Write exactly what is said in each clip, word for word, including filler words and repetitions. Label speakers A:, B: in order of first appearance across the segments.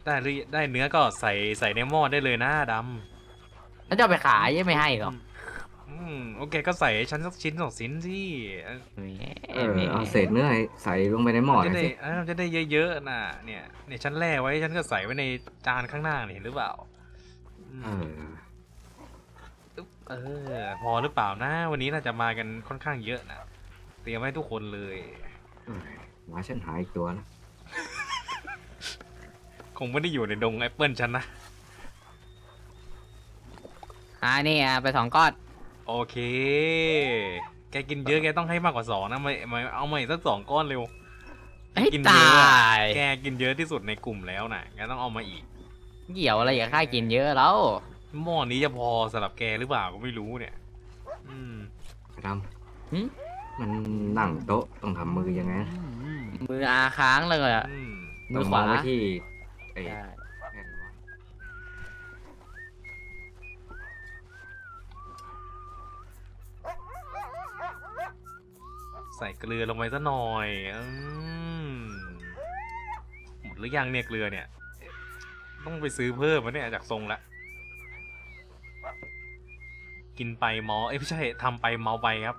A: ได้หรือได้เนื้อก็ใส่ใส่ในหม้อได้เลยนะดำ
B: แล้วจะเอาไปขายยังไม่ให้หรอก
A: อืมโอเคก็ใส่ให้ฉันสักชิ้นสองชิ้นสิเออ
B: แหม
C: เออ
B: แหม
C: เอาเศษเนื้อใส่ลงไปในหม้อ
A: มัน
C: ห
A: จะ
C: น่อย
A: ได้
C: สิ
A: เออมันจะได้เยอะๆนะเนี่ยเนี่ยฉันแล่ไว้ฉันก็ใส่ไว้ในจานข้างหน้านี่เห็นหรือเปล่าอื
C: เอ
A: ม
C: อ
A: เออพอหรือเปล่านะวันนี้น่าจะมากันค่อนข้างเยอะนะเตรียมไว้ทุกคนเลย
C: เออหมาฉันหายอีกตัวนะ
A: คงไม่ได้อยู่ในดงแอปเปิลฉันนะ
B: อ่านี่อ่ะไปสองก้อน
A: โอเค แกกินเยอะแกต้องให้มากกว่าสองนะไม่ไม่เอามาอีกสักสองก้อนเร็ว
B: ให้
A: กิน
B: ต
A: เยอะ
B: า
A: อะ
B: ย
A: แกกินเยอะที่สุดในกลุ่มแล้วนะแกต้องเอามาอีก
B: เกี่ยวอะไรกับข้ากินเยอะแล้ว
A: หม้อนี้จะพอสำหรับแกหรือเปล่าก็ไม่รู้เนี่ย อืม
C: ด
B: หึ
C: ำมันนั่งโต๊ะต้องทำมือยังไงนะ
B: มืออาค้างเลยอ่ะ
A: อืม
B: มื
C: ต้
B: อ
C: อง
B: ข
C: ม
B: วา
C: องไปที่ไอ้
B: ใช่
C: แผ่นวะ
A: ใส่เกลือลงไปซะหน่อยอืมหมดหรือยังเนี่ยเกลือเนี่ย ต้องไปซื้อเพิ่มวะเนี่ยจากทรงละ กินไปเมาเอ้ยไม่ใช่ทำไปเมาไปครับ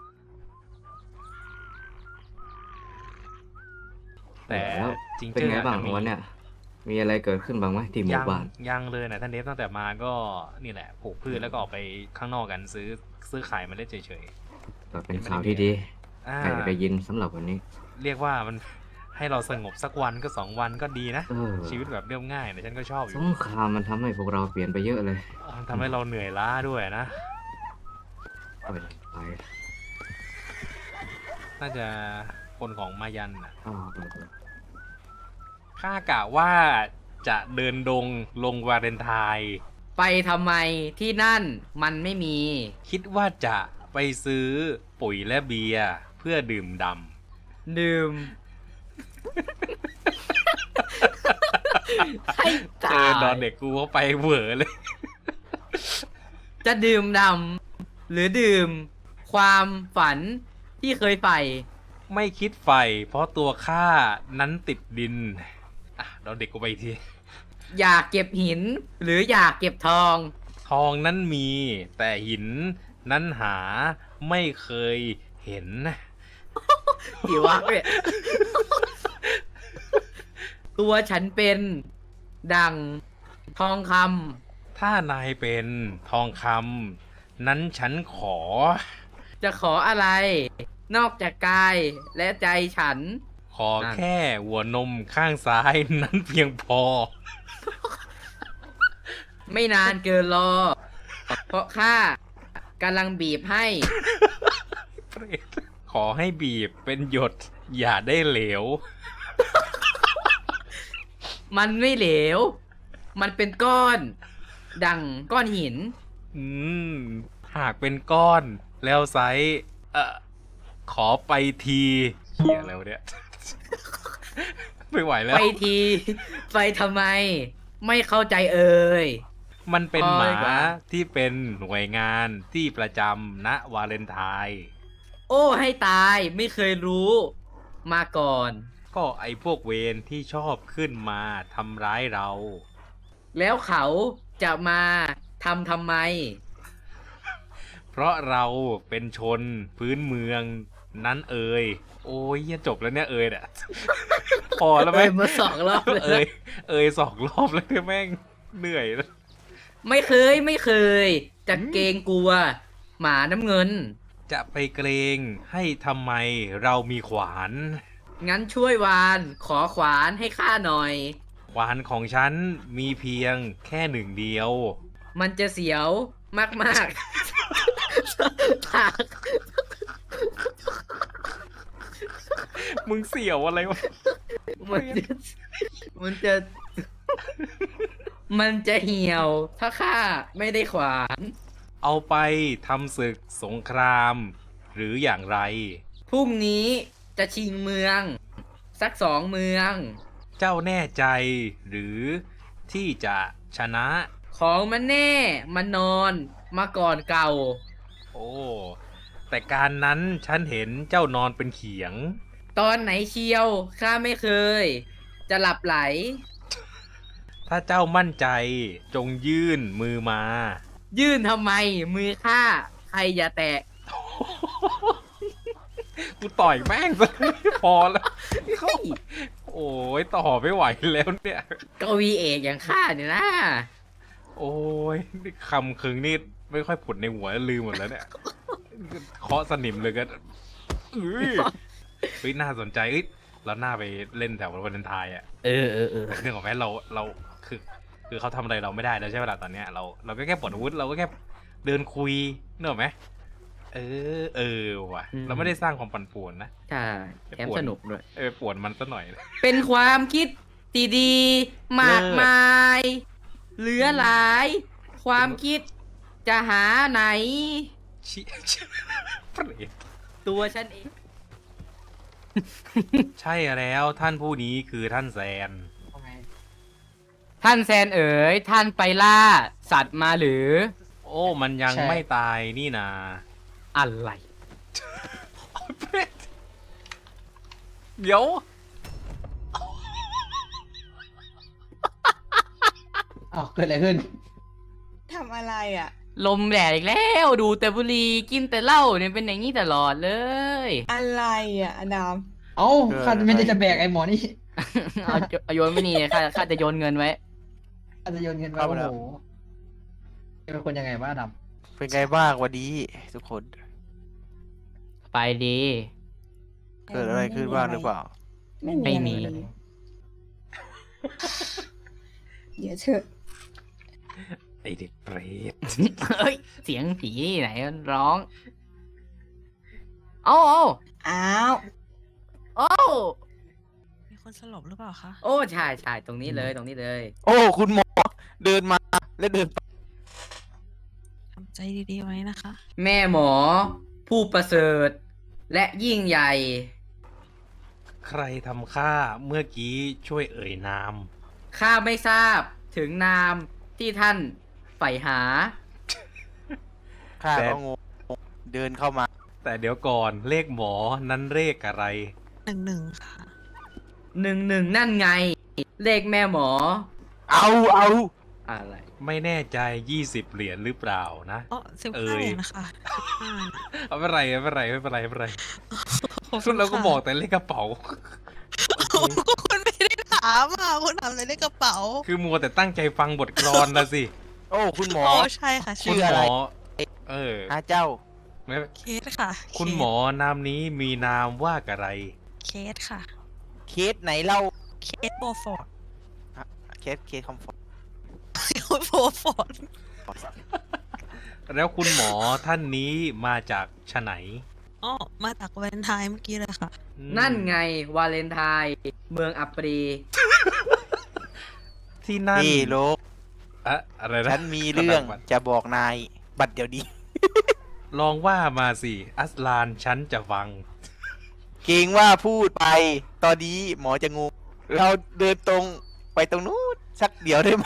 A: แต่
C: แล้ว
A: จริง
C: เป็น
A: เจอ
C: ไง
A: อาจ
C: บ้าง
A: จะมี
C: วันเนี้ยมีอะไรเกิดขึ้นบ้างไหมที่หมู่
A: ยัง
C: บ้าน
A: ยังเลยนะท่านเดฟตั้งแต่มาก็นี่แหละปลูกพืชแล้วก็ออกไปข้างนอกกันซื้อซื้อขายมาเล่นเฉย
C: ก็เป็นข่าวที่ดี
A: ๆอ่า
C: ใครจะได้ยินสำหรับวันนี้
A: เรียกว่ามันให้เราสงบสักวันก็สองวันก็ดีนะ
C: เออ
A: ชีวิตแบบเรียบง่ายนะฉันก็ชอบอ
C: ส
A: ยู่
C: งครามมันทำให้พวกเราเปลี่ยนไปเยอะเลย
A: มันทำให้เราเหนื่อยล้าด้วยนะ
C: โอ้ยไป
A: น่าจะคนของมายันน่ะ
C: อ้าวเออเออ
A: ข้ากะว่าจะเดินดงลงวาเลนไทน์
B: ไปทำไมที่นั่นมันไม่มี
A: คิดว่าจะไปซื้อปุ๋ยและเบียร์เพื่อดื่มด
B: ดื่ม ให้
A: ำเจ
B: ตา
A: อย ดอนเด็กกูเข้าไปเหวอเลย
B: จะดื่มดำหรือดื่ม ความฝันที่เคยใฝ่
A: ไม่คิดไฟเพราะตัวข้านั้นติดดิน อ่ะดอนเด็กกูไปอีกที
B: อยากเก็บหิน หรืออยากเก็บทอง
A: ทองนั้นมีแต่หินนั้นหาไม่เคยเห็น
B: กี่วักเนี่ย ตัวฉันเป็นดังทองค
A: ถ้านายเป็นทองคำนั้นฉันขอ
B: ำจะขออะไร นอกจากกายและใจฉัน
A: ขอ
B: นั่น
A: แค่หัวนมข้างซ้ายนั้นเพียงพอ
B: ไม่นานเกินรอ เพราะข้ากำลังบีบให้
A: ขอให้บีบเป็นหยดอย่าได้เหลว
B: มันไม่เหลว มันเป็นก้อน ดังก้อนหิน
A: อืม หากเป็นก้อนแล้วไซส์เอ่อขอไปทีเขียแล้วะเนี่ย ไม่ไหวแล้ว
B: ไปที ไปทำไม ไม่เข้าใจเอ่ย
A: มันเป็น
B: พอ
A: ห
B: ดี
A: มาก
B: ว่า
A: ที่เป็นหน่วยงานที่ประจำณวาเลนไทน์
B: โอ้ให้ตายไม่เคยรู้ มาก่อน
A: ก็ไอพวกเวรที่ชอบขึ้นมาทำร้ายเรา
B: แล้วเขาจะมาทำทำไม
A: เพราะเราเป็นชนพื้นเมืองนั้นเอ่ยโอ้ยจบแล้วเนี่ยเอ่ยเนี่ย พอแล้วไหม
B: เอ้ยมาสองรอบเลย
A: เอ่ยเอ่ยสองรอบแล้วเนี่ยแม่งเหนื่อยแล้ว
B: ไม่เคยไม่เคย จะเกรงกลัว หมาน้ำเงิน
A: จะไปเกรงให้ทำไมเรามีขวาน
B: งั้นช่วยวาน ขอขวานให้ข้าหน่อย
A: ขวานของฉันมีเพียงแค่หนึ่งเดียว
B: มันจะเสียวมากๆ ปาก
A: มึงเสี่ยวอะไรวะ
B: มันจะมันจะ มันจะเหี่ยว ถ้าข้าไม่ได้ขวาน
A: เอาไปทำศึกสงคราม หรืออย่างไร
B: พรุ่งนี้จะชิงเมือง สักสองเมือง
A: เจ้าแน่ใจหรือที่จะชนะ
B: ของมันแน่ มันนอน มาก่อนเก่า
A: โอ้ แต่การนั้นฉันเห็นเจ้านอนเป็นเขียง
B: ตอนไหนเชียว ข้าไม่เคย จะหลับไหล
A: ถ้าเจ้ามั่นใจจงยื่นมือมา
B: ยื่นทำไมมือข้าใครอย่าแตะ
A: กูต่อยแม่งซะ พอแล้ว โอ้ยต่อไม่ไหวแล้วเนี่ย
B: กวีเอกอย่างข้าเนี่ยนะ
A: โอ้ยนี่คำคึงนี่ไม่ค่อยผุดในหัวลืมหมดแล้วเนี่ย เคาะสนิมเลยก็เอ้ยเฮ้ยน่าสนใจเอ้ยเราหน้าไปเล่นแถววันเลนไทน์อ่ะ
B: เออเออเออ
A: เรื่องของแม่เราเราคือ คือเขาทำอะไรเราไม่ได้แล้วใช่ไหมล่ะตอนเนี้ยเราเราก็แค่ปลดอาวุธเราก็แค่เดินคุยเนกอะไหมเออเออว่ะเราไม่ได้สร้างความปั่นป่วนนะ
B: ใช่แถมสนุกด้วย
A: เออป่วนมันซะหน่อย
B: เป็นความคิดดีๆมากมาย เหลือหลาย ความคิดจะหาไหน
A: ชิชิเปรต
B: ตัวฉันเอง
A: ใช่แล้วท่านผู้นี้คือท่านแซน
B: ท่านแซนเอ๋ยท่านไปล่า สัตว์มาหรือ
A: โอ้มันยัง
D: ใช่
A: ไม่ตายนี่นา
B: อะไร
A: เปรตเดี๋ยว
D: อ้าวเกิดอะไรขึ้น
E: ทำอะไรอ่ะ
B: ลมแดดอีกแล้ว ดูแต่บุหรี่กินแต่เหล้าเนี่ยเป็นอย่างนี้ตลอดเลย
E: อะไรอ่ะอดาม
D: เอ้าข้าไม่ได้จะแบกไอ้หมอนี่
B: เอาเอาโยนไม่นี่ข้าข้าจะโยนเงินไว้
D: ข้าจะโยนเงินไป
F: เอา
D: โอ้
F: แล้ว
D: โหเป็นคนยังไงบ้าด
F: เป็นไงบ้างวันนี้ทุกคน
B: ไปดี
F: เกิดอะไรขึ้นบ้างหรือเปล่า
E: ไม่
B: ไม่มี
E: มีอะไรเลยเดี๋ยวเถอะ
A: ไอเด็กเปรต
B: เฮ้ย เสียงผีไหนร้อง เอ้าเอ้า
E: อ้าว
B: โอ้
G: มีคนสลบหรือเปล่าคะ
B: โอ้ใช่ใช่ตรงนี้เลยตรงนี้เลย
F: โอ้คุณหมอเดินมาและเดินไป
G: ทำใจดีๆไว้นะคะ
B: แม่หมอ ผู้ประเสริฐ และยิ่งใหญ่
A: ใครทำข้าเมื่อกี้ช่วยเอ่ยนาม
B: ข้าไม่ทราบถึงนามที่ท่านใฝ่หา
F: ข้า
A: แต่
F: ก็งงเดินเข้ามา
A: แต่เดี๋ยวก่อนเลขหมอนั้นเลขอะไร
G: หนึ่งหนึ่งค่ะ
B: หนึ่งหนึ่งนั่นไง เลขแม่หมอ
F: เอาเอา
B: อะไร
A: ไม่แน่ใจยี่สิบเหรียญหรือเปล่านะ
G: อ๋อสิบ
A: เอ่
G: ห้าย เหรียญนะคะสิบห้า
A: เอาไม่เป็นไรไม่เป็นไรไม่เป็นไรไม่เป็นไร
G: ขอบ
A: สุ
G: คุ
A: ด
G: ณ
A: เราก็
G: ค่ะ
A: บอกแต่เลขกระเป๋า
G: คุณไม่ได้ถามอ่ะคุณถามอะไรในกระเป๋า
A: คือมัวแต่ตั้งใจฟังบทกลอนนะสิ
F: โอ้คุณหมอ
G: อ๋อใช่ค่ะ
F: ชื่
A: คุณ
F: อ
A: ห
F: อะ
A: ม
F: ไร
A: อ เออ
F: อาเจ้า
A: ไม่
G: เคสค่ะ
A: คุณ
G: เคส
A: หมอนามนี้มีนามว่าอะไร
G: เคสค่ะ
F: เคสไหนเล่า
G: เคสโบฟอร์ด
F: เคสเคสคอมฟอร์ต
G: โบฟอร์ด
A: แล้วคุณหมอท่านนี้มาจากชะไหน
G: อ๋อมาจากแวนไทน์เมื่อกี้เลยค่ะ
A: อืม
B: นั่นไงวาเลนไทน์เมืองอัปรี
A: ที่นั่น
F: นี่โลก
A: อะอะไรนะ
F: ฉันมีเรื่องจะบอกนาย บัดเดี๋ยวนี้
A: ลองว่ามาสิ อัสลานฉันจะฟัง
F: เกรงว่าพูดไป ตอนนี้หมอจะงง เราเดินตรงไปตรงนู้นสักเดี๋ยวได้ไหม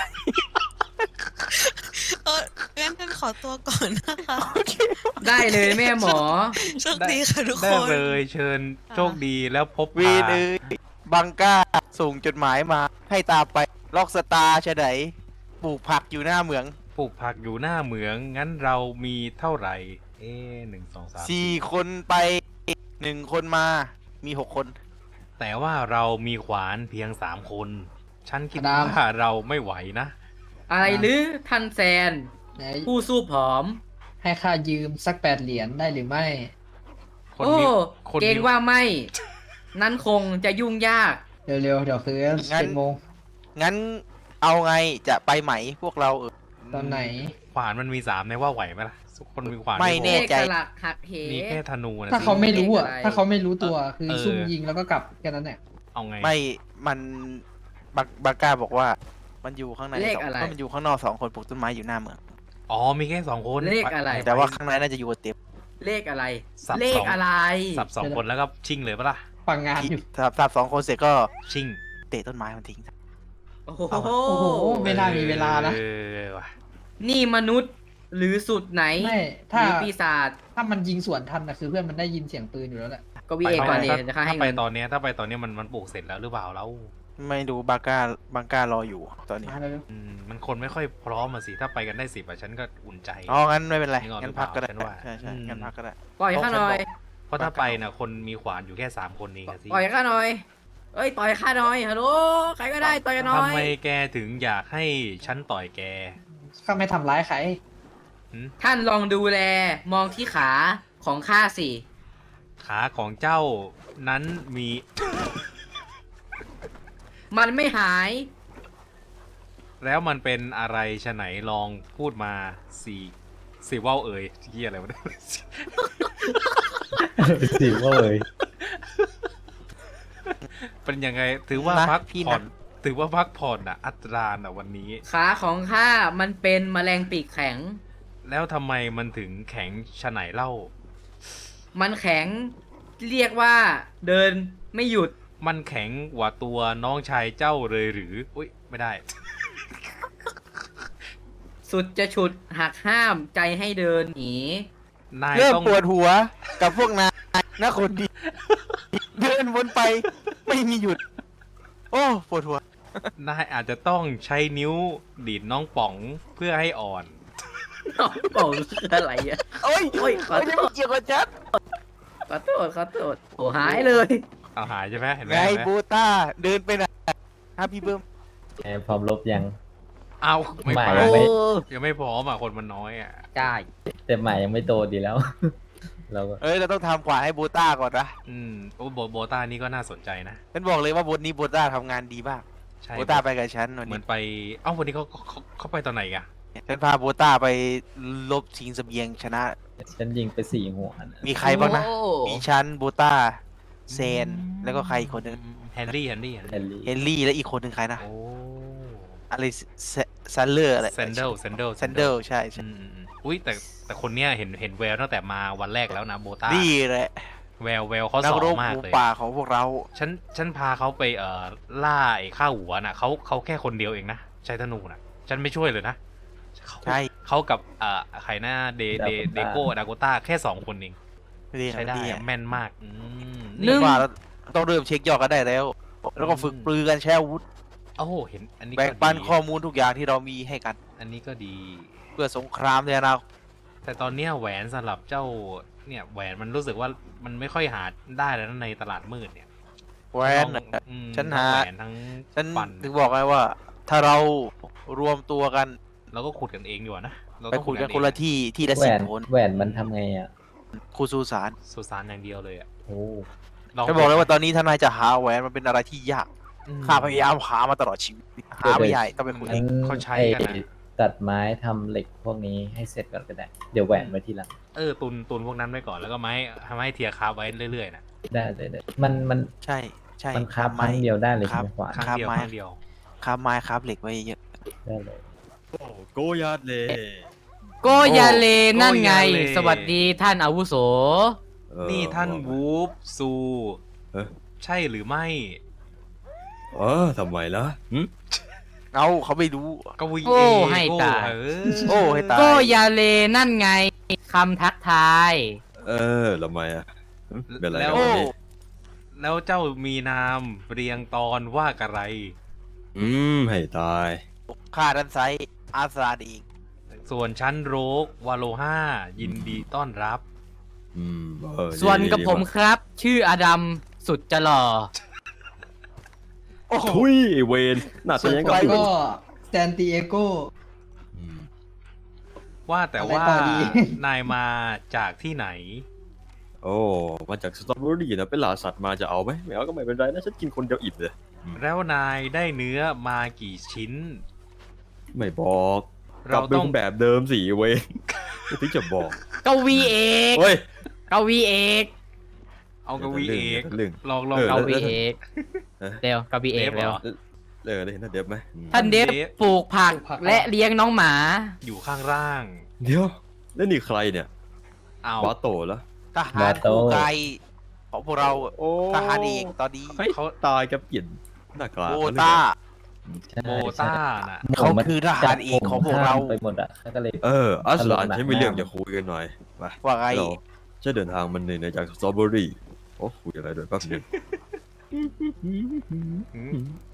G: เอองั้นฉันขอตัวก่อนนะคะ
B: ได้เลยแม่หมอ
G: โชคดีค่ะทุก
A: ได้
G: คน
A: เลยเชิญโชคดีแล้วพบ
F: เวรเอ้ยบังก้าส่งจดหมายมา ให้ตามไปล็อกสตาร์ชะไหนปลูกผักอยู่หน้าเหมือง
A: ปลูกผักอยู่หน้าเหมือง งั้นเรามีเท่าไหร่ เอ๊ะหนึ่งสองสาม
F: สี่คนไปหนึ่งคนมามีหกคน
A: แต่ว่าเรามีขวานเพียงสามคน ฉันคิด
D: อดัม
A: ว่าเราไม่ไหวนะ
B: อะไรหรือท่านแซน
D: ำไหน
B: ผู้สู้ผอม
D: ให้ข้ายืมสักแปดเหรียญได้หรือไม่
A: คน
B: โอ้
A: มีคน
B: เกรง
A: มี
B: ว่าไม่ นั้นคงจะยุ่งยาก
D: เร็วๆ เดี๋ยวคือ
F: งั้น
D: เจ็ดโมง
F: งั้นเอาไงจะไปไหมพวกเราเออ
D: ตอนไหน
A: ขวานมันมีสามในว่าไหวไหมล่ะทุกคนมีขวาน
F: ไม่
A: พอ
F: แน่ ใจ
B: เลขสลักหักเห
A: มีแค่ธนูนะ
D: ถ้า
A: สิ
D: เขาไม่รู้อ่ะ
B: เลขอะไร
D: ถ้าเขาไม่รู้ตัวคือ
A: เออ
D: ซุ่มยิงแล้วก็กลับแค่นั้นแหละ
A: เอาไง
F: ไม่มันบักบักก้าบอกว่า มันอยู่ข้างใน
B: เลข
F: สอง
B: อะไร
F: เพราะมันอยู่ข้างนอกสองคนปลูกต้นไม้อยู่หน้าเมือง
A: อ๋อมีแค่สองคน
B: เลขอะไร
A: ปป
F: แต่ว่าข้างในน่าจะอยู่กับเต็ม
B: เลขอะไร
A: สับ
B: เล
A: ส
B: ข
A: อง
B: อะไร
A: สับสองคนแล้วก็ชิ่งเลยปะล่ะ
D: ฟังงานอยู่
F: สับสับสองคนเสร็จก็
A: ชิ่ง
F: เตะต้นไม้มันทิ้ง
B: โอ้โห
F: เอา
D: โอ้โห ไม่น่ามีเวลานะ
A: เออว่ะ
B: นี่มนุษย์หรือสุดไหน
D: ไม่
B: ห
D: ถ้า
B: รือปีศาจ
D: ถ้ามันยิงสวนทันนะคือเพื่อนมันได้ยินเสียงปืนอยู่แล้วแหละ
B: ก็วีเอก่อนเดียวจะฆ่าให้
A: ถ้าไป
B: เงิน
A: ตอนเนี้ยถ้าไปตอนเนี้ยมันมันปลูกเสร็จแล้วหรือเปล่าแล้ว
F: ไม่ดูบาก้าบาก้ารออยู่ตอนนี้
D: มาเลย
A: อืมมันคนไม่ค่อยพร้อมมาสิ ถ้าไปกันได้สิบอะฉันก็อุ่นใจ
F: อ๋องั้นไม่เป็นไร
A: นึกออก
F: งั้นพักก็ได้
A: หรือเปล่าฉันว่า
F: ใช่ใช่
A: อืม
F: งั้นพักก็ได้
B: ปล่อยข้าหน่อย
A: เพราะถ้าไปนะคนมีขวานอยู่แค่สามคนเองอะสิ
B: ปล่อยข้าหน่อย เอ้ยต่อยข้าหน่อยฮัลโหลใครก็ได้ต่อยกันหน่อย
A: ทำไมแกถึงอยากให้ฉันต่อยแก
D: ข้าไม่ทำร้ายใคร
A: หึ
B: ท่านลองดูแลมองที่ขาของข้าสิ
A: ขาของเจ้านั้นมี
B: มันไม่หาย
A: แล้วมันเป็นอะไรชะไหนลองพูดมาสี่สี่ว่าวเอ่ยที่อะไรวะเนี่ย
H: สิว่าเลย
A: เป็นยังไงถือว่า
F: นะ
A: พัก
F: พี่
A: ผ่อน
F: นะ
A: ถือว่าพักผ่อนอ่ะ อัตราอ่ะวันนี้
B: ขาของข้ามันเป็นแมลงปีกแข็ง
A: แล้วทำไมมันถึงแข็งชะไหนเล่า
B: มันแข็งเรียกว่าเดินไม่หยุด
A: มันแข็งกว่าตัวน้องชายเจ้าเลยหรือ อุ้ยไม่ได้
B: สุดจะฉุดหักห้ามใจให้เดินหนี
A: นาย
F: เริ่ม
A: ต้อง
F: ปวดหัวกับพวกนายนะคนดี เดินวนไปไม่มีหยุด โอ้ปวดหัว
A: นายอาจจะต้องใช้นิ้วดีดน้องป๋องเพื่อให้อ่อน
B: น้องบอกคืออะไรอะ
F: โอ้ย
B: โอ้ยขอโทษ
F: ไม่เกี่ยวกับฉัน
B: ขอโทษขอโทษโอ้หายเลย
A: เอาหายใช่ไหมเห็นไหม
F: ไง
A: เห็นไหม
F: โบต้าเดินไปไหนฮะพี่เบิ้ม
H: ไงพร้อมลบยัง
A: เอาไม่
H: หมา
A: ไป
H: ยังไม่
A: ยังไม่พร้อมอ่ะคนมันน้อยอ่ะ
B: ได้
H: แต่หมายังไม่โตดีแล้ว เราก็
F: เอ้ยเราต้องทำขวานให้โบต้าก่อนนะ
A: อืมโอ้โบโบต้านี่ก็น่าสนใจนะ
F: ฉันบอกเลยว่าบทนี้โบต้าทำงานดีมาก
A: ใช่
F: โบต้าไปกับฉันวัน
A: เหมื
F: นี้
A: อนไป เอ้าวันนี้เขาเขาเขาไปตอนไหนกัน
F: ฉันพาโบต้าไปลบชิงเสบียงชนะ
H: ฉันยิงไปสี่หัวนะ
F: มีใครบ้างนะ
B: โอ้
F: มีฉันโบต้าเซน แล้วก็ใครอีกคนหนึง
A: แฮนรี่แฮนรี่แฮน
H: แฮ
A: รี่
H: ร์รี่
F: เฮนรี่และอีกคนหนึ่งใครนะ
A: โอ้
F: อะไรซันเลอร์อะไร
A: เซนเดลเซนเดล
F: ซันเดลใช่ใช่
A: อืมอืมอืมอุ้ยแต่แต่คนเนี้ยเห็นเห็นแววตั้งแต่มาวันแรกแล้วนะโบต้า
F: นี่แหละ
A: แววแววเขา
F: นั
A: ส
F: ก
A: อ
F: ร
A: ง
F: บ
A: มาก
F: หมู
A: เลย
F: ป่าของพวกเรา
A: ฉันฉันพาเขาไปเอ่อล่าไอ้ข้าหัวน่ะเขาเขาแค่คนเดียวเองนะใช้ธนูน่ะ ฉันไม่ช่วยเลยนะเขา
F: ใช่
A: เขากับเอ่อใครนะเดเดเดโก้ดาโกต้าแค่สองคนเอง
F: ดี
A: ใช้ได้
F: ดี
A: อะแม่นมากอืม
B: หนึ่ง
F: ว่าเราต้องเริ่มเช็คยอดกันได้แล้ว แล้วก็ฝึกปลือกันแช่อาวุธ
A: โอ้โหเห็นอันนี้
F: แบ่ง
A: ก็
F: ปัน
A: ดี
F: ข้อมูลทุกอย่างที่เรามีให้กัน
A: อันนี้ก็ดี
F: เพื่อสงครามในอนาคต
A: แต่ตอนเนี้ยแหวนสำหรับเจ้าเนี่ยแหวนมันรู้สึกว่ามันไม่ค่อยหาได้แล้วนะในตลาดมืดเนี่ย
F: แหวน
A: ทั้
F: น่ะ
A: งอืม
F: ฉัน
A: ทั้ง
F: หา
A: แหวนทั้ง
F: ฉัน
A: ฟัน
F: ถึงบอกไงว่า ถ้าเรารวมตัวกัน
A: เราก็ขุดกันเองดีกว่านะเรา
F: ไป
A: ต้อง
F: คุยกัน
A: เอง
F: คนละที่ที่ละ
H: แหว
F: สิบ
H: น
F: คน
H: แหวนมันทำไงอ่ะ
F: ครูซูสาร
A: สุสานอย่างเดียวเลยอ่ะ
H: โอ้
A: ลอง
F: ฉันบอกเลยว่าตอนนี้ทนายจะหาแหวนมันเป็นอะไรที่ยาก
A: อืม
F: ข้าพยายามหามาตลอดชีวิตหาไม่ใหญ่ต้องไปคุยเอ
H: งั้
F: ง
H: น
A: เขาใช้กันนะ
H: ไอ้ตัดไม้ทำเหล็กพวกนี้ให้เสร็จก่อนก็ได้ เดี๋ยวแหวนไว้ทีหลัง
A: เออตุนตุนพวกนั้นไว้ก่อนแล้วก็ไม้ทำให้เทียร์คาบไว้เรื่อยๆนะ
H: ได้เลยได้มันมัน
F: ใช่ใช่
H: มันคราบครั้งเดียวได้เลย
F: ครั
H: ใช่
F: บ
H: ไหมขวาน
A: ครั้ง
F: ครับ
A: เดียว
F: ไม้
A: ครั้งเดียว
F: คราบไม้คราบเหล็กไว้เยอะ
H: ได้เลย
I: โกยาดเลย
B: โกยาเลนั่นไง
A: โกยาเล
B: สวัสดีท่านอาวุโส
I: เออ
A: นี่ท่าน
I: ว่าไง
A: วูฟซู
I: เอ๊ะ
A: ใช่หรือไม่
I: เออทำไมล่ะหึ
F: เอาเขาไม่รู้
A: ก็วี
B: โอ้
A: เอ
B: ให้
A: โก้
B: ตาย
A: เออ
F: โอ้ให้ตาย
B: โกยาเลนั่นไงคำทักทาย
I: เออทำไมอ่ะหึเป็นไร
A: แล้
I: กัน
A: ว
I: วันนี้
A: แล้วเจ้ามีนามเรียงตอนว่าอะไร
I: อืมให้ตาย
F: ค่าดันไซด์อาซาดอีก
A: ส่วนชั้นโรกวาโลห้ายินดีต้อนรับ
I: อืมเออ
B: ส่วน
I: ดี
B: กับ
I: ดี
B: ผม
I: ว่ะ
B: ครับ ชื่ออดัมสุดจะหล่อ
F: โอ้โห
I: ทุยไอ้เวนหน้า
D: ส่
I: ตา
D: วน
I: ยัง
D: ไป
I: กับ
D: ก็ซานติเอโก
I: อืม
A: ว่าแต่
D: อะไร
A: ว่า
D: ต่อดี
A: นายมาจากที่ไหน
I: โอ้มาจากสตรอเบอรี่นะเป็นล่าสัตว์มาจะเอาไหมไม่เอาก็ไม่เป็นไรนะฉันกินคนเดียวอิ่มเลย
A: แล้วนายได้เนื้อมากี่ชิ้น
I: ไม่บอกก
A: เรา
I: ลับเป็
A: ต้อง
I: นแบบเดิมสิเวนไม่ถึงจะบอก
B: กวีเอก
I: เฮ้ย
B: กวีเอก
A: เอากวีเอก
I: เรื่อง
A: ลองลอง
I: เออ
B: ก
A: เอา
B: วีเอก
I: เออ
B: เร็วกวีเอก
A: เดฟเหร
B: เร็ว
A: อ
I: เลิกได้เห็นหน้าเด็บไหมอืม
B: ท่านเดฟ
A: เดฟ
B: ปลูกผักและเลี้ยงน้องหมา
A: อยู่ข้างล่าง
I: เดี๋ยวแล้วนี่ใครเนี่ย
A: เอา
I: บาโตแล้ว
F: ทหารคู่กายของพวกเรา
I: โอ้
F: ทหารเอกตอนนี้
I: เฮ้ย
A: เขา
I: ตายกับเปลี่ยนหน้ากาก
F: โบ
I: แล้วเนี่ย
F: ต้า
H: ใช่
A: โบต้าน่ะ
H: ใช่
F: เขาคือทหารเอกของพวกเรา
H: ไปหมดอ่ะเขาก็เลย
I: เอออัสลาน
H: ตลกหนัก
I: ฉันมีเรื่องจะคุยกันหน่อยไป
F: ว่าไง
I: เราจะเดินทางมันเหนื่อยจากสตรอเบอรี่โอ้คุยอะไรด้วยแป๊บนึง
A: หืม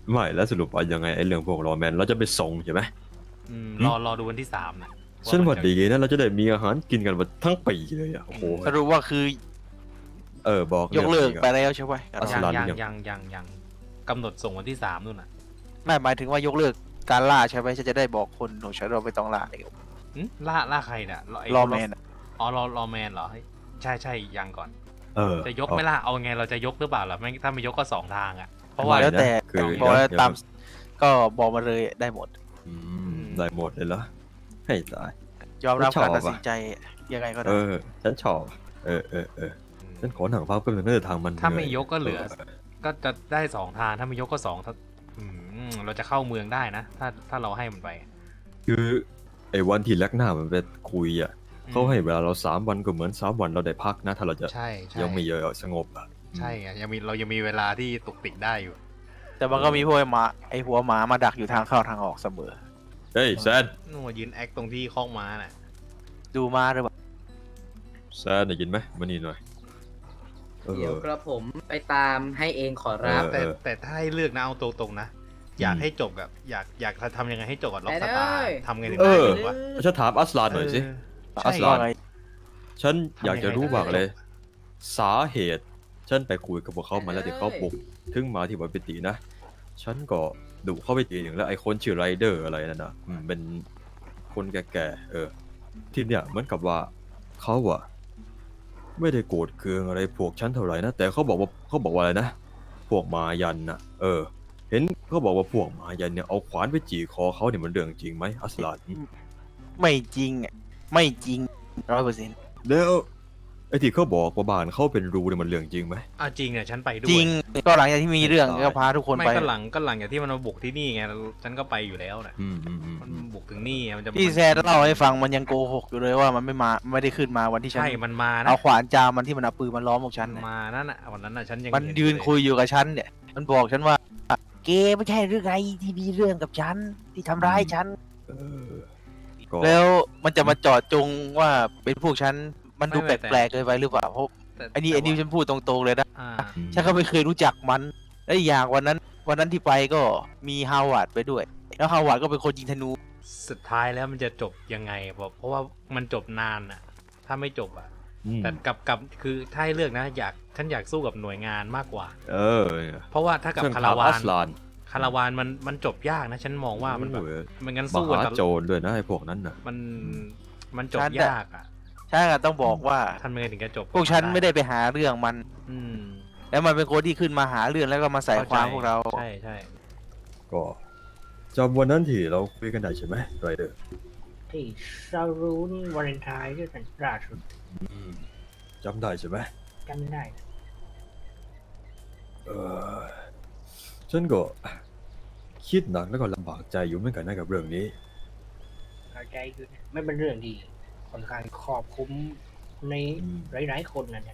I: ไม่แล้วสรุปว่ายังไงไอ้เรื่องพวกรอแมนเราจะไปส่งใช่ไหม
A: อืม
I: หืม
A: รอรอดูวันที่สามนะ
I: ฉันว่า
A: จะ
I: ดีนะเราจะได้มีอาหารกินกันวันทั้งปีเลยอ่ะโอ้โห
F: สรุปว่าคือ
I: เออบอก
F: ยกเลิก
I: รื่อง
F: ไป
I: นี้
F: แล้วใช่ไหม
I: อัส
A: ยัง
I: ลัน
A: ยัง
I: ยัง
A: ยังยังยังกำหนดส่งวันที่สามนู่นน่ะ
F: ไม่หมายถึงว่ายกเลิกการล่าใช่ไหมฉันจะได้บอกคนของฉันเราไม่ต้องล่าเลย
A: หึล่าล่าใครเนี่ยไ
F: รอแมนอะ
A: อ๋อรอรอแมนเหรอเฮ้ยใช่ใช่ยังก่อน
I: เออ
A: จะยกไหม่ล่ะเอาไงเราจะยกหรือเปล่าล่ะไม่ถ้าไม่ยกก็สองทางอ่ะเพราะว่า
F: แล้วแต่
I: คือ
F: บอกแล้ว
I: เดี๋ยว
F: ตามก็บอกมาเลยได้หมด
I: อืมได้หมดเลยเหรอให้ตาย
F: ยอมรับ
I: ชอบ
F: การตัด
I: อะ
F: สินใจยังไงก็
I: เอ
F: ได้
I: อ ฉันชอบ เออเออเออฉันขอหนังพักเป็นงน่าจะทางมัน
A: ถ้าไม่
I: นื่
A: ยกก็เหลือ ก็จะได้สองทางถ้าไม่ยกก็สองถ้าอืมเราจะเข้าเมืองได้นะ ถ้าถ้าเราให้มันไป
I: คือไอ้วันที่แลกหน้ามันไปคุยอ่ะ
A: อืม
I: เขาให้เวลาเราสามวันก็เหมือนสามวันเราได้พักนะ ถ้าเราจะ
A: ใช่ใช่
I: ยังไม่เยอะสงบอ่ะ
A: ใช่ไงยังมีเรายังมีเวลาที่ตุกติกได้อยู่
F: แต่มันก็มีพวกไอ้หมาไอหัวหมามาดักอยู่ทางเข้าทางออกเสมอ
I: เฮ้ยแซน
A: นู่นยืนแอคตรงที่คอกม้าน่ะ
F: ดูมาหรือเปล่า
I: แซนได้ยินไหมมานี่หน่อยเออ
B: เดี๋ยวกระผมไปตามให้เองขอรับ
I: เออ
A: แต่แต่ถ้าให้เลือกนะเอาตรงๆนะ อยากให้จบกับอยากอยากทำยังไงให้จบกับล็อกสตาร์
B: ไปเลย
A: ทำไงถึง
I: เอ
A: ได้
I: อ
A: จบวะ
I: ฉันถามอัสลานหน่อยสิ
A: เออ
I: อัส
A: ใช่
I: ลาน
F: ว่าไง
I: ฉันอยากจะรู้
A: ทำยังไง
I: มากเลย
A: ได้
I: สาเหตุ ฉันไปคุยกับพวกเขามาแล้วที่เขาบุกถึงมาที่วัดปิตินะ ฉันก็ดุเข้าไปตีหนึ่งแล้วไอ้คนชื่อไรเดอร์อะไรนั่นนะอืมเป็นคนแก่ๆเออ ที่เนี่ยเหมือนกับว่าเขาอะไม่ได้โกรธเคืองอะไรพวกฉันเท่าไหร่นะ แต่เขาบอกว่าเขาบอกว่าอะไรนะ พวกมายันนะเออ เห็นเขาบอกว่าพวกมายันเนี่ยเอาขวานไปจี่คอเขาเนี่ยมันเรื่องจริงไหมอัสลาน
F: ไม่จริงอะไม่จริงร้อยเปอร์เซ็นต์
I: แล้วไอ้ที่เขาบอกว่าบ้านเขาเป็นรูเนี่ยมันเรื่องจริงไหม
A: อ่ะจริงเนี่ยฉันไปด้วย
F: จริงก็หลังจากที่มีเรื่อง
I: ตาย
F: ก็พาทุกคน
A: ไม่
F: ไป
A: ก็หลังก็หลังจากที่มันมาบุกที่นี่ไงฉันก็ไปอยู่แล้วน่ะ
I: อืมอืมอืม
A: มัน
I: อืม
A: บุกถึงนี่ไงมันจะ
F: พี่แซดเล่าให้ฟังมันยังโกหกอยู่เลยว่ามันไม่มาไม่ได้ขึ้นมาวันที่ฉัน
A: ใช่มันมานะ
F: เอาขวานจามมันที่มันเอาปืนมันล้อมพวกฉัน
A: มัน
F: น่ะ
A: มานั่นน่ะวันนั้นน่ะฉันยัง
F: มัน
A: เห็
F: ยืน
A: เล
F: คุยอยู่กับฉันเนี่ย มันบอกฉันว่า เกไม่ใช่หรือไงที่มีเรื่องกับฉันที่ทำร้ายฉัน
I: เออก็
F: แล้วมันจะมาเจอดจงว่าเป็นพวกฉันมันดูแปลกๆเกินไปหรือเปล่าเพราะ
A: แต่
F: ไอ้นี่ไอ้นี่ฉันพูดตรงๆเลยนะ
A: อ่า
F: ฉันก็ไม่เคยรู้จักมัน และอีกอย่างวันนั้น วันนั้นที่ไปก็มีฮาวาร์ดไปด้วย แล้วฮาวาร์ดก็เป็นคนยิงธนู
A: สุดท้ายแล้วมันจะจบยังไงเพราะเพราะว่ามันจบนานน่ะ ถ้าไม่จบอ่ะ
I: อืม
A: แต่กับกับคือถ้าให้เลือกนะอยากฉันอยากสู้กับหน่วยงานมากกว่า
I: เออ
A: เพราะว่าถ้ากับ
I: ฉัน
A: คา
I: ถ
A: ราวา
I: อั
A: น
I: สลาน
A: คาราวานมันมันจบยากนะ ฉันมองว่ามันแบบ
I: โอ้ย
A: มันงั้น
I: ม
A: สู้
I: หา
A: กัน
I: โจรด้วยนะไอ้พวกนั้นน่ะ
A: มันมันจบ
F: ฉันน่ะ
A: ยากอ่ะ
F: ใช่ต้องบอกว่า
A: ทำยังไงถึงจะจบ
F: พวกฉันไม่ได้ไปหาเรื่องมัน
A: อืม
F: แล้วมันเป็นคนที่ขึ้นมาหาเรื่องแล้วก็มาใส่ความพวกเรา
A: ใช่ใช่
I: ก็จำวันนั้นที่เราคุยกันได้ใช่ไหมไรเดอร์
J: ที่ซารูนวาเลนไทน์ด้วยกันล่าสุด
I: จำได้ใช่ไหม
J: จำได้นะ
I: เออฉันก็คิดหนักแล้วก็ลำบากใจอยู่เหมือนกันนะกับเรื่องนี้
J: เข้าใจคือไม่เป็นเรื่องดีค่อนข้างครอบคลุมใน
I: อืม
J: หลายๆคนนั่นแหละ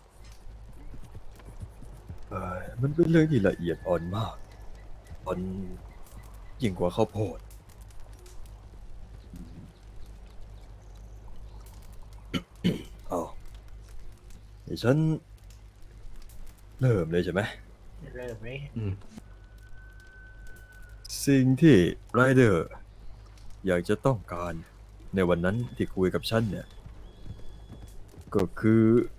I: เออมันเป็นเรื่องที่ละเอียดอ่อนมากอ่อนยิ่งกว่าข้าวโพดเอาเดี๋ยวฉันเริ่มเลยใช่ไหม
J: เริ่มเลย
I: สิ่งที่ไรเดอร์อยากจะต้องการในวันนั้นที่คุยกับฉันเนี่ย ก็คือ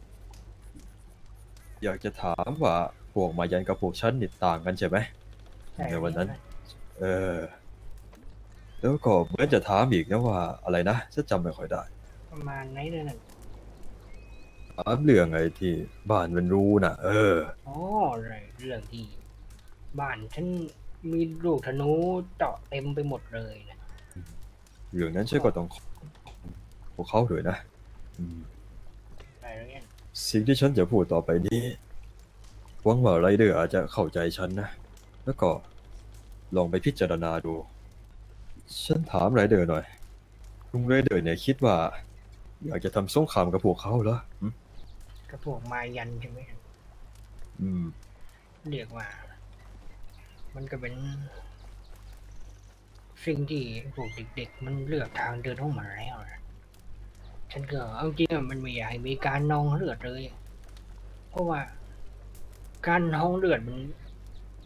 I: อยากจะถามว่าพวกมายันกับพวกฉันนี่ต่างกันใช่ไหม
J: ใช่
I: ในวันนั้น เออ แล้วก็เหมือนจะถามอีกนะว่าอะไรนะฉันจำไม่ค่อยได้
J: ประมาณไหนเนี่ยนั่น
I: ถามเรื่องไอ้ที่บ้านมันรู้นะเออ
J: อ๋ออะไรเรื่องที่บ้านฉันมีลูกธนูเจาะเต็มไปหมดเลยนะ
I: เรื่องนั้นฉันก็ต้องขอบพวกเขาด้วยนะอืม
J: อะไรเงี้ย
I: สิ่งที่ฉันจะพูดต่อไปนี้หวังว่าไรเดอร์อาจจะเข้าใจฉันนะ แล้วก็ลองไปพิจารณาดู ฉันถามไรเดอร์หน่อยลุงไรเดอร์เนี่ยคิดว่า อยากจะทำสงครามกับพวกเขาเหรออืม
J: กระพวกมายันใช่ไหม
I: อืม
J: เรียกว่า มันก็เป็น สิ่งที่พวกเด็กๆมันเลือกทางเดินของมันแล้วนะฉันก็เอาจริงอะมันไม่อยากให้มีการนองเลือดเลย เพราะว่า การนองเลือดมัน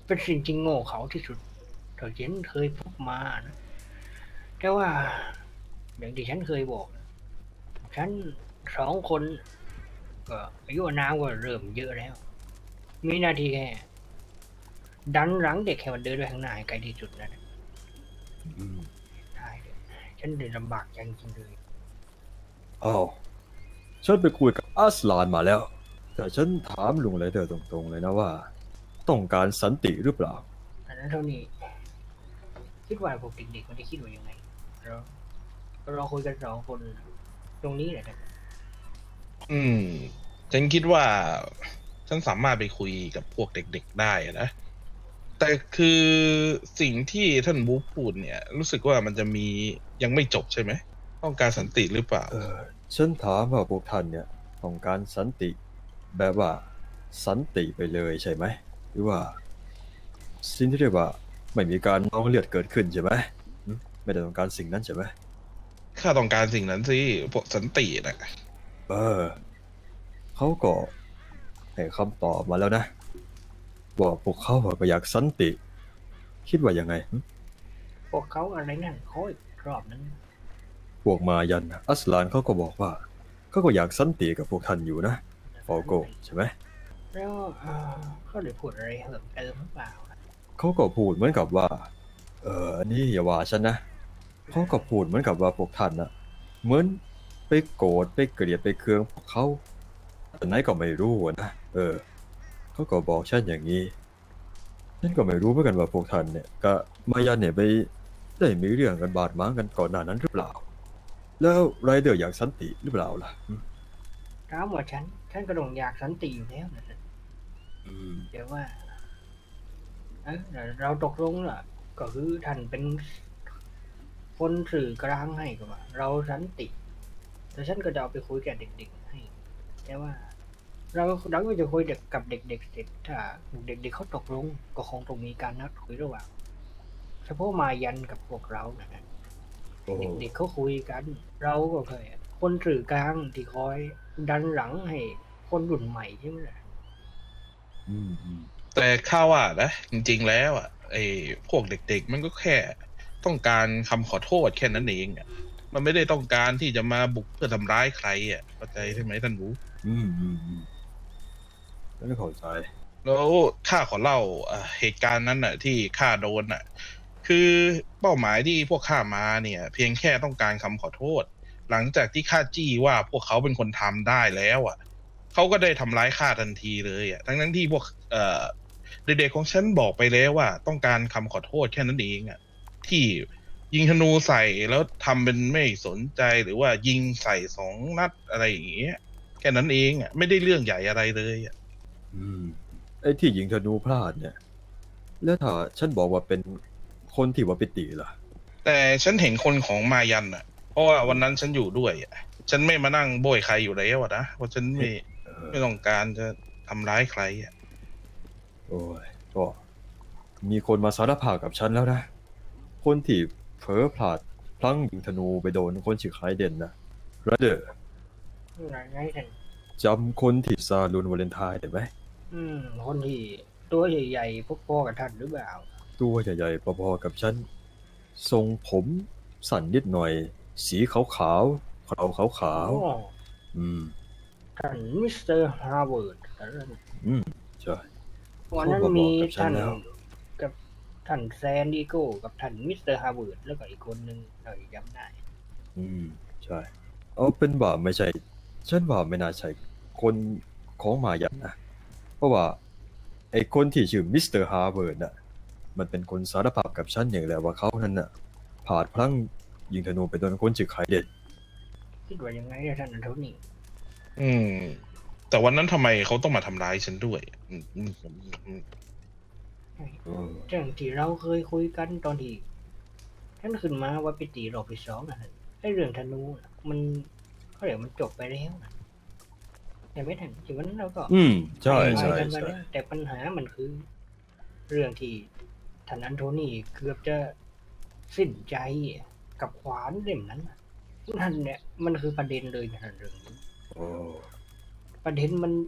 J: เป็นสิ่งที่โง่เขาที่สุดเท่าที่ฉันเคยพบมานะแต่ว่าอย่างที่ฉันเคยบอกนะฉันสองคนก็อายุอานามก็เริ่มเยอะแล้ว มีหน้าที่แค่ดันหลังเด็กให้มันเดินไปข้างหน้าให้ไกลที่สุดนั่นแหละ
I: อืม
J: ใช่เลยฉันเลยลำบากใจจริงๆเลย
I: อ้าวฉันไปคุยกับอัสลานมาแล้ว แต่ฉันถามลุงไรเดอร์ตรงๆเลยนะว่า ต้องการสันติหรือเปล่า
J: อันนั้นเท่านี้ คิดว่าพวกเด็กๆมันจะคิดว่ายังไงเราเราคุยกันสองคนตรงนี้แหละนะ
K: อืม ฉันคิดว่า ฉันสามารถไปคุยกับพวกเด็กๆได้นะ แต่คือสิ่งที่ท่านบูพูดเนี่ย รู้สึกว่ามันจะมียังไม่จบใช่ไหม ต้องการสันติหรือเปล่า
I: เออฉันถามว่าพวกท่านเนี่ยต้องการสันติแบบว่าสันติไปเลยใช่ไหมหรือว่าสิ่งที่เรียกว่าไม่มีการนองเลือดเกิดขึ้นใช่ไหมหึไม่ได้ต้องการสิ่งนั้นใช่ไหม
K: ข้าต้องการสิ่งนั้นสิพวกสันตินะ
I: เออเขาก็ให้คำตอบมาแล้วนะว่าพวกเขาอะก็อยากสันติ คิดว่ายังไงหึ
J: พวกเขาอะไรนั่นเขาอีกรอบนั้น
I: พวกมายันน่ะอัสลานเขาก็บอกว่าเขาก็อยากสันติกับพวกท่านอยู่นะฟอโกใช่ไหม
J: แล้วเอ่อเขาได้พูดอะไรเพิ่มเติมหรือเปล่า
I: เขาก็พูดเหมือนกับว่า เอออันนี้อย่าว่าฉันนะเขาก็พูดเหมือนกับว่าพวกท่านนะเหมือนไปโกรธไปเกลียดไปเคืองพวกเขาแต่ไหนก็ไม่รู้อะนะเออเขาก็บอกฉันอย่างนี้ฉันก็ไม่รู้เหมือนกันว่าพวกท่านเนี่ยก็มายันเนี่ยไปได้มีเรื่องกันบาดหมางกันก่อนหน้านั้นหรือเปล่า แล้วไรเดอร์อยากสันติหรือเปล่าล่ะหึ
J: ถามว่าฉัน ฉันก็ต้องอยากสันติอยู่แล้วนะ
I: อืม
J: เดี๋ยวว่าเอ้ยเราตกลงล่ะ ก็คือท่านเป็นคนสื่อกลางให้ก็ว่า เราสันติแต่ฉันก็จะเอาไปคุยกับเด็กๆให้ แต่ว่า เราเราก็จะคุยเด็กกับเด็กๆเสร็จถ้าเด็กๆเขาตกลง ก็คงต้องมีการนัดคุยระหว่างเฉพาะมายันกับพวกเรานะนะ
I: โอ้
J: เด็กๆเขาคุยกัน เราก็เคยคนสื่อกลางที่คอยดันหลังให้คนรุ่นใหม่ใช่ไหมล่ะ
I: อืมอืม
K: แต่ข้าว่านะ จริงๆแล้วอ่ะไอ้พวกเด็กๆ มันก็แค่ต้องการคำขอโทษแค่นั้นเองอ่ะ มันไม่ได้ต้องการที่จะมาบุกเพื่อทำร้ายใครอ่ะเข้าใจใช่ไหมท่านบู
I: อืมอืมอืมไม่เข้าใจ
K: แล้วข้าขอเล่าเอ่อเหตุการณ์นั้นน่ะ ที่ข้าโดนน่ะ คือเป้าหมายที่พวกข้ามาเนี่ย เพียงแค่ต้องการคำขอโทษ หลังจากที่ข้าจี้ว่าพวกเขาเป็นคนทำได้แล้วอ่ะเขาก็ได้ทำร้ายข้าทันทีเลยอ่ะทั้งนั้นที่พวกเอ่อเด็กๆของฉันบอกไปแล้วว่า ต้องการคำขอโทษแค่นั้นเองอ่ะที่ยิงธนูใส่แล้วทำเป็นไม่สนใจหรือว่ายิงใส่สองนัดอะไรอย่างเงี้ยแค่นั้นเองอ่ะไม่ได้เรื่องใหญ่อะไรเลยอ่ะ
I: อืมไอ้ที่ยิงธนูพลาดเนี่ย แล้วถ้าฉันบอกว่าเป็นคนที่ว่าปิติล่ะ
K: แต่ฉันเห็นคนของมายันอ่ะ เพราะว่าวันนั้นฉันอยู่ด้วยอ่ะ ฉันไม่มานั่งโบยใครอยู่แล้วอะนะ เพราะฉันไม่
I: เออ
K: ไม่ต้องการจะทำร้ายใครอ่ะ
I: โอ้ยก็มีคนมาสารภาพกับฉันแล้วนะ คนที่เผลอพลาดพลั้งยิงธนูไปโดนคนชื่อไคเดนนะไรเดอร์
J: ไหนไงท่าน
I: จำคนที่ซาลูนวาเลนไทน์ได้ไหม
J: อืม คนที่ตัวใหญ่ๆพวกพ่อกับท่านหรือเปล่า
I: ตัวใหญ่ๆพอๆกับฉัน ทรงผมสั้นนิดหน่อย สีขาวๆขาวขาวขาว
J: อ๋อ
I: ๆอืม
J: ท่านมิสเตอร์ฮาร์วาร์ดแต่ละ
I: อืม ใช่
J: วันนั้น
I: เขาก็บอก
J: มี
I: กับฉัน
J: ท่าน
I: แล้ว
J: กับท่านแซนดิโก้กับท่านมิสเตอร์ฮาร์วาร์ดแล้วก็อีกคนนึงเราจำได้
I: อืม ใช่ เอาเป็นว่าไม่ใช่ ฉันว่าไม่น่าใช่คนของมายันนะ เพราะว่าไอ้คนที่ชื่อมิสเตอร์ฮาร์เวิร์ดน่ะ มันเป็นคนสารภาพกับฉันอย่างแหละว่าเขานั้นน่ะผาดพลั้งยิงธนูไปโดนคนชื่อไคเดน
J: คิดว่ายังไงอะท่านอันโทนี่
K: อืม แต่วันนั้นทำไมเขาต้องมาทำร้ายฉันด้วยอืมอืมอืมอืม
I: เออ
J: เรื่องที่เราเคยคุยกันตอนที่ท่านขึ้นมาว่าไปตีรอบที่สองนะท่านไอ้เรื่องธนูน่ะมันเขาเดี๋ยวมันจบไปแล้วนะแต่ไม่ทันที่วันนั้นเราก็
I: อืม ใช่
J: ให้
I: ใช่
J: กันไป
I: ใช่
J: แล้วแต่ปัญหามันคือ เรื่องที่ท่านอันโทนี่เกือบจะสิ้นใจกับขวานเล่มนั้นน่ะนั่นเนี่ยมันคือประเด็นเลยนะท่านเรื่องนี้
I: โอ้
J: ประเด็นมัน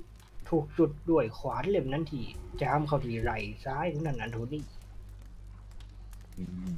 J: ถูกจุดด้วยขวานเล่มนั้นที่จามเข้าที่ไหล่ซ้ายของนันอันโทนี่
I: อืม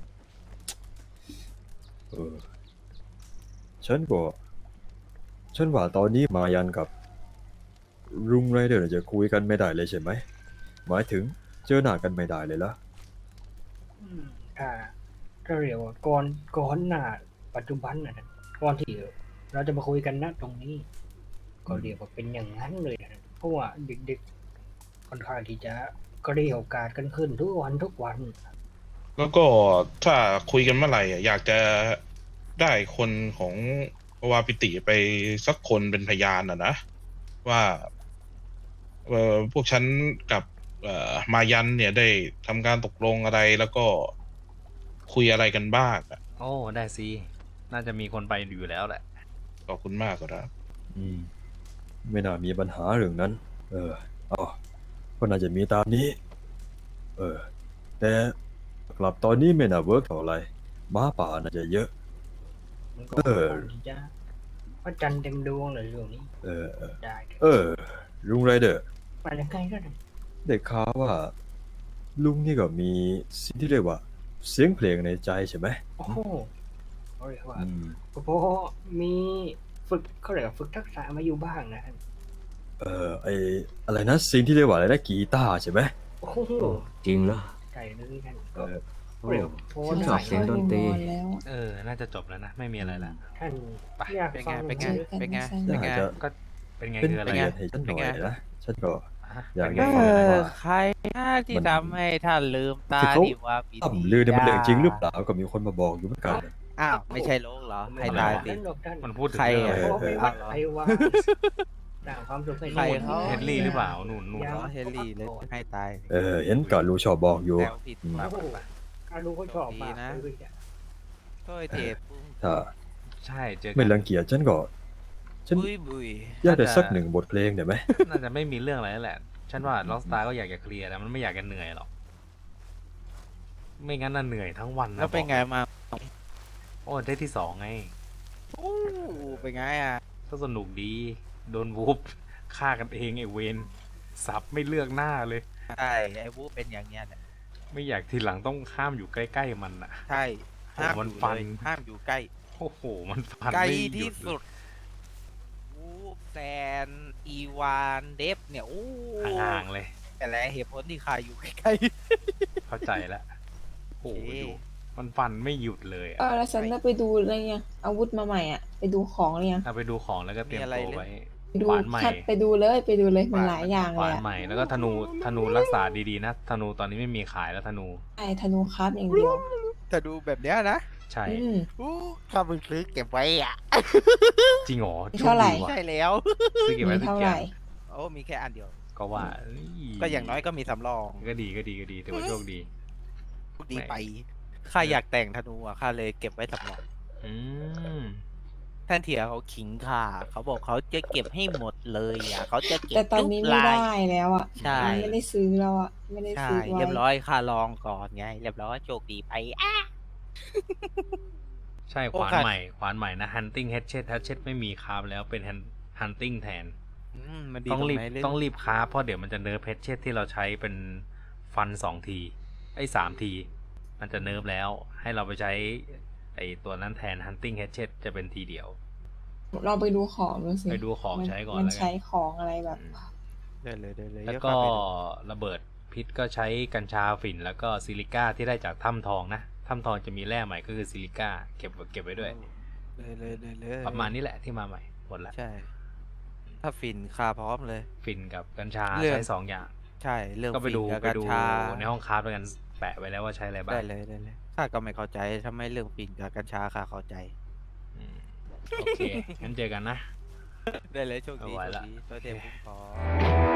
I: เออฉันก็ฉันว่าตอนนี้มายันกับรุงไรเดอร์จะคุยกันไม่ได้เลยใช่ไหมหมายถึงเจอหน้ากันไม่ได้เลยละ
J: อืมถ้าถ้าเรียกว่าก่อนก่อนหน้าปัจจุบันนะก่อนที่เราจะมาคุยกันณตรงนี้ ก็เรียกว่าเป็นอย่างนั้นเลยนะเพราะว่าเด็กๆค่อนข้างที่จะก็ได้โอกาสกันขึ้นทุกวันทุกวัน
K: แล้วก็ถ้าคุยกันเมื่อไหร่อะอยากจะได้คนของวาปิติไปสักคนเป็นพยานอ่ะนะว่าเอ่อพวกฉันกับเอ่อมายันเนี่ยได้ทำการตกลงอะไรแล้วก็คุยอะไรกันบ้างอะ
A: โอ้ได้สิ น่าจะมีคนไปอยู่แล้วแหละ
K: ขอบคุณมากครับ
I: อืมไม่น่ามีปัญหาเรื่องนั้น เอออ๋อก็น่าจะมีตามนี้ เออ แต่กลับตอนนี้ไม่น่าเวิร์กเท่าไหร่หม้าป่าน่าจะเยอะ
J: มันก็
I: เออ
J: ค่อนข้างที่จะพระจันทร์เต็มดวงเลยเรื่องนี้
I: เออเออ
J: ได้
I: เออ ลุงไรเดอร์
J: ไปยังไงก็ได้
I: ได้ข่าวว่า ลุงนี่ก็มีสิ่งที่เรียกว่า เสียงเพลงในใจใช่ไหม
J: โอ้โหเขาเรียกว่า
I: อืม
J: เพราะมีฝึกเขาเรียกว่าฝึกทักษะมาอยู่บ้างนะ
I: เออไออะไรนะสิ่งที่เรียกว่าอะไรนะกีตาร์ใช่ไหม
J: โอ้โห
C: จริงเหรอ
J: ใจเลยกัน
I: เอ
J: ก็
I: อ
C: โอ้
J: เรียกว่าโพส
C: ฉัน
J: ต์
C: ชอบเสียงดนตรี
E: แล้ว
A: เออ น่าจะจบแล้วนะ ไม่มีอะไรละ
J: ท่าน
A: ไป
J: อยาก
G: เป็น
J: ฟั
G: ไง
J: ง
G: เป็นไง
J: หรือ
G: เป็นไง
I: อยากจะ
A: ก็เป็นไง
I: เป็น
A: คืออะไร
I: เกียร
A: อะ
I: ติให้ฉันหน่อยนะ ฉันก็
A: ฮะ
I: อยาก
A: เป็น
I: จะ
A: ไง
I: ฟัง
A: คืออะไร
I: ว่า
G: ใครที่
I: มัน
G: ทำให้ท่านลืมตา
I: คือเขา
G: ดิว่าปี
I: ต่ำลือเนี่ยมันเรื่องจริงหรือเปล่าก็มีคนมาบอกอยู่เหมือนกัน
G: อ้าว ไม่ใช่โลกเหรอ ให้ตายสิ
J: หรอกท่าน
A: มันพูดถึง
G: ใคร
A: เรื่อง
G: อะ
A: อะไร
J: เพราะไปวัดไทยว่าสร้างความสุขให้
G: ใครเขา
A: เฮนรี่หรือเปล่านู่นนู่น
G: เหรอเฮนรี่เลยให้ตายสิ
I: เออ เห็นก่อนรู้ชอบบอกอยู่
G: แซวผิด
I: อืม
G: มา
J: โอ้โหการดูเขาชอบมาก
G: ดีนะ
J: เลยอะ
G: โทษเทป
I: ถ้า
A: ใช่เจอกั
I: ไม่รังเกียจฉันก็ ฉัน
G: บุยบุย
I: อยากได้สักหนึ่งบทเพลงได้ไหม
A: น่าจะไม่มีเรื่องอะไรแล้วแหละ ฉันว่าล็อกสตาร์ก็อยากจะเคลียร์แต่มันไม่อยากจะเหนื่อยหรอก ไม่งั้นน่ะเหนื่อยทั้งวันนะ
G: แล้วเป็นไงมา
A: โอ้ได้ที่สองไง
G: โอ้เป็นไงอ่ะ
A: ก็สนุกดี โดนวูบฆ่ากันเองไอ้เวนสับไม่เลือกหน้าเลย
G: ใช่ ไอ้วูเป็นอย่างเงี้ยแหละ
A: ไม่อยากทีหลังต้องข้ามอยู่ใกล้ๆมันอ่ะ
G: ใช่ ห้าม
A: มัน
G: อยู่
A: ฟัน
G: เลยห้ามอยู่ใกล้
A: โอ้โห มันฟัน
G: ใกล้
A: ไม่หยุ
G: ที่
A: ด
G: สุดวูแซน อีวาน เดฟเนี่ย โอ้
A: ห่างๆเลย
G: แต่ละเหตุผลที่คาอยู่ใกล้
A: เข้าใจแล้วโอ้โห
G: โอเค
A: ดูมันฟันไม่หยุดเลย
E: เอ
A: อะ
E: อแล้วฉันได้ไปดูอะไรยังอาวุธมาใหม่อ่ะ ไปดูของหรือยัง
A: เอาไปดูของแล้วก็เตรียมตัวไว้
E: ไปดู
A: ขวานใหม่
E: คัดไปดูเลยไปดูเลยมันหลายอย่าง
A: ข
E: เล
A: วาย น
E: อ่ะ
A: ใหม่แล้วก็ธนูธนูรักษาดีๆนะธนูตอนนี้ไม่มีขายแล้วธนู
E: ไอ้ธนูครับอย่างเดียว
G: ๆแต่ดูแบบเนี้ยนะ
A: ใช่
E: อืม
G: อู้ถ้ามึงซื้อเก็บไว้อ่ะ
A: จริงเหรอ
E: เท่าไหร่
A: โชคดีว่ะ
G: ใช่แล้ว
A: ซื้อเก็บไว้
E: มี
A: สัก
E: เท่า
A: อ
E: ไห
A: ย่า
E: ร่
A: ง
G: โอ้มีแค่อันเดียว
A: ก็ว่า
G: ก็อย่างน้อยก็มีสำรอง
A: ก็ดีก็ดีก็ดีถือว่าโชคดี
G: ดีไป ข้าอยากแต่งธนูอ่ะ ข้าเลยเก็บไว้สำรอง
A: อืม
G: ท่านเถียเขาขิงข้าเขาบอกเขาจะเก็บให้หมดเลยอ่ะเขาจะเก็บ
E: แต่ตอนนี้
G: ทุก
E: ไม่
G: ลาย
E: ได้แล้วอ่ะ
G: ใช่
E: ไม่ได้ซื้อแล้วอ่ะไม่ได้
G: ใช่
E: ซื้อไว้
G: เรียบร้อยข้าลองก่อนไง เรียบร้อยโชคดีไปอ่ะ
A: ใช่ข
G: โอ้
A: วาน
G: ค่ะ
A: ใหม่ขวานใหม่นะ hunting hatchet hatchet ไม่มีคราฟแล้วเป็น hand- hunting แทน
G: อืมมันดี
A: ต้องรีบ
G: ไหนเล่น
A: ต้องรีบคราฟเพราะเดี๋ยวมันจะเนิร์ฟเพชเชตที่เราใช้เป็นฟันสองทีไอ้สามที มันจะเนิร์ฟแล้ว ให้เราไปใช้ไอ้ตัวนั้นแทน hunting hatchet จะเป็นทีเดียว
E: เราไปดูของดูสิ
A: ไปดูของ
E: มัน
A: ใช้ก่อน
E: มัน
A: แล้วกั
E: ใช้
A: น
E: ของอะไรแบบ
G: ได้เลยได้เลย
A: แล้ว
G: เดี๋ย
A: ก็
G: ข้าไปดู
A: ระเบิดพิษก็ใช้กัญชาฝิ่น แล้วก็ซิลิก้าที่ได้จากถ้ำทองนะถ้ำทองจะมีแร่ใหม่ก็คือซิลิก้าเก็บเก็บไว้ด้วย
G: เลยเลยเลยเลย
A: ประมาณนี้แหละที่มาใหม่หมดละ
G: ใช่ ถ้าฟินคาพร้อมเลย
A: ฝิ่นกับกัญชา
G: เรื่อง
A: ใช้สองอย่าง
G: ใช่เรื่อง
A: ก็ไปดู
G: ฟินกับ
A: ไป
G: กัญ
A: ดู
G: ชา
A: ในห้องคราฟแล้วกันแปะไว้แล้วว่าใช้อะไรบ้าง
G: ได้เลยได้เลยข้าก็ไม่เข้าใจทำไมเรื่องฟินกับกัญชาข้าเข้าใจ
A: อืมโอเค งั้นเจอกันนะ
G: ได้เลยโชคดี
A: เอาไว้
G: โชค
A: ละ
G: ดีตัวเต็มคุ้มครอง